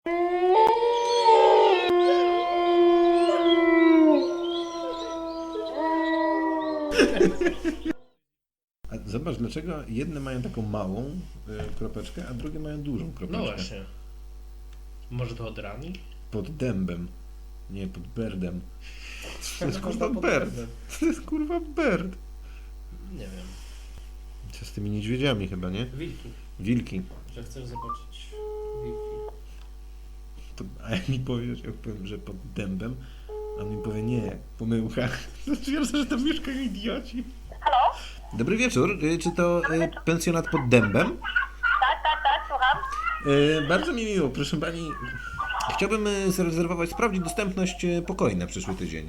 A zobacz, dlaczego jedne mają taką małą kropeczkę, a drugie mają dużą kropeczkę. No właśnie. Może to od rani? Pod dębem. Nie, pod berdem. To jest kurwa Pod berd. dębem. To jest kurwa berd. Nie wiem. Co z tymi niedźwiedziami chyba, nie? Wilki. Wilki. Że chcesz zobaczyć wilki. A jak mi powiesz, jak powiem, że pod dębem, a on mi powie nie, pomyłka. To twierdzę, że to mieszkają idioci. Halo? Dobry wieczór. Czy to pensjonat pod dębem? Tak, słucham. Bardzo mi miło, proszę pani. Chciałbym zarezerwować, sprawdzić dostępność pokoi na przyszły tydzień.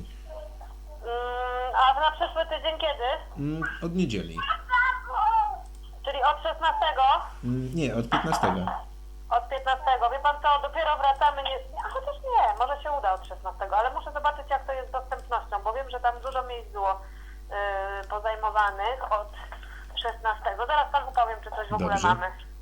A na przyszły tydzień kiedy? Od niedzieli. Czyli od 16? Nie, od 15. Od 15. Wie pan co, dopiero wracamy, a chociaż nie, może się uda od 16, ale muszę zobaczyć jak to jest z dostępnością, bo wiem, że tam dużo miejsc było pozajmowanych od 16. Zaraz panu powiem, czy coś w ogóle Dobrze. mamy.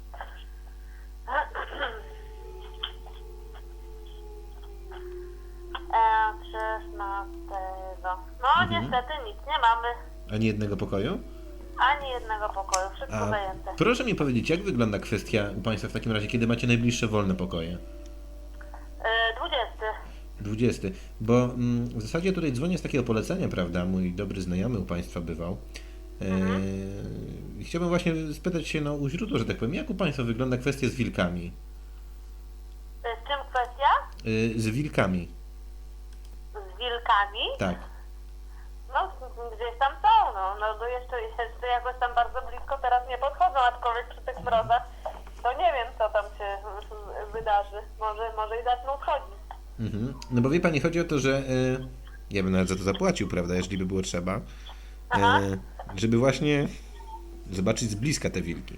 E, 16. No niestety nic nie mamy. Ani jednego pokoju? Ani jednego pokoju, wszystko A zajęte. proszę mi powiedzieć, jak wygląda kwestia u Państwa w takim razie, kiedy macie najbliższe wolne pokoje? 20. 20. Bo w zasadzie tutaj dzwonię z takiego polecenia, prawda? Mój dobry znajomy u Państwa bywał. Chciałbym właśnie spytać się u źródła, że tak powiem, jak u Państwa wygląda kwestia z wilkami? Z czym kwestia? Z wilkami, Z wilkami? tak. No, gdzieś tam są, no to jeszcze jakoś tam bardzo blisko teraz nie podchodzą, aczkolwiek przy tych mrozach to nie wiem, co tam się wydarzy. Może i zaczną schodzić. No bo wie Pani, chodzi o to, że ja bym nawet za to zapłacił, prawda, jeżeli by było trzeba, Aha. żeby właśnie zobaczyć z bliska te wilki.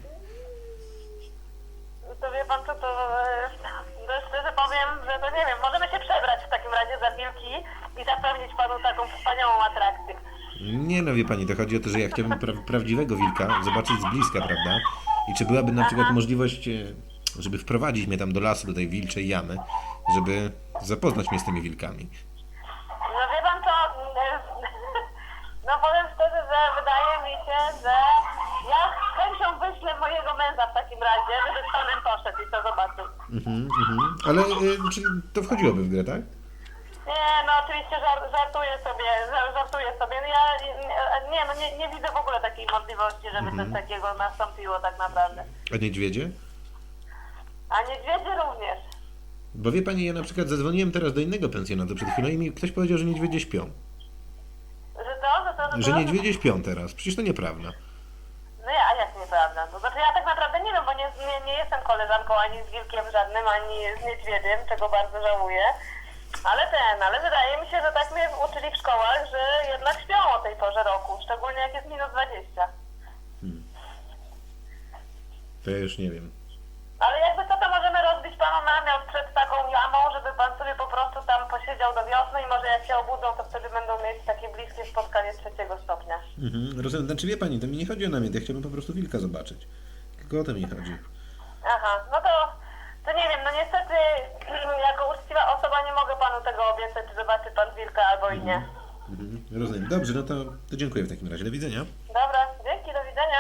To wie pan co, to szczerze powiem, że to nie wiem, możemy się przebrać w takim razie za wilki i zapewnić panu taką wspaniałą atrakcję. Nie no, wie Pani, to chodzi o to, że ja chciałbym prawdziwego wilka zobaczyć z bliska, prawda? I czy byłaby na przykład możliwość, żeby wprowadzić mnie tam do lasu, do tej wilczej jamy, żeby zapoznać mnie z tymi wilkami. No wie pan co, no powiem szczerze, że wydaje mi się, że ja z chęcią wyślę mojego męża w takim razie, żeby z panem poszedł i to zobaczył. Ale czyli to wchodziłoby w grę, tak? Nie, no oczywiście żartuję sobie. No ja nie widzę w ogóle takiej możliwości, żeby coś takiego nastąpiło tak naprawdę. A niedźwiedzie? A niedźwiedzie również. Bo wie Pani, ja na przykład zadzwoniłem teraz do innego pensjonatu przed chwilą i mi ktoś powiedział, że niedźwiedzie śpią. Że Że niedźwiedzie śpią teraz. Przecież to nieprawda. No a jak nieprawda? To znaczy ja tak naprawdę nie wiem, bo nie jestem koleżanką ani z wilkiem żadnym, ani z niedźwiedziem, czego bardzo żałuję. Ale wydaje mi się, że tak mnie uczyli w szkołach, że jednak śpią o tej porze roku, szczególnie jak jest minus 20. To ja już nie wiem. Ale jakby co, to możemy rozbić panu namiot przed taką jamą, żeby pan sobie po prostu tam posiedział do wiosny i może jak się obudzą, to wtedy będą mieć takie bliskie spotkanie 3 stopnia. Rozumiem. Znaczy wie Pani, to mi nie chodzi o namiot, ja chciałbym po prostu wilka zobaczyć. Tylko o to mi chodzi. Aha, no to nie wiem, no niestety jako uczciwa osoba nie mogę panu tego obiecać, czy zobaczy pan wilka albo i nie. Rozumiem. Dobrze, no to dziękuję w takim razie. Do widzenia. Dobra, dzięki, do widzenia.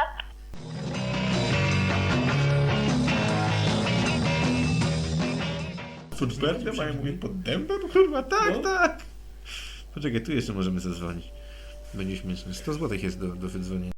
Pod berdem, a ja mówię pod dębem? Kurwa, tak, tak. Poczekaj, tu jeszcze możemy zadzwonić. Będzie śmieszne. 100 zł jest do wydzwonienia.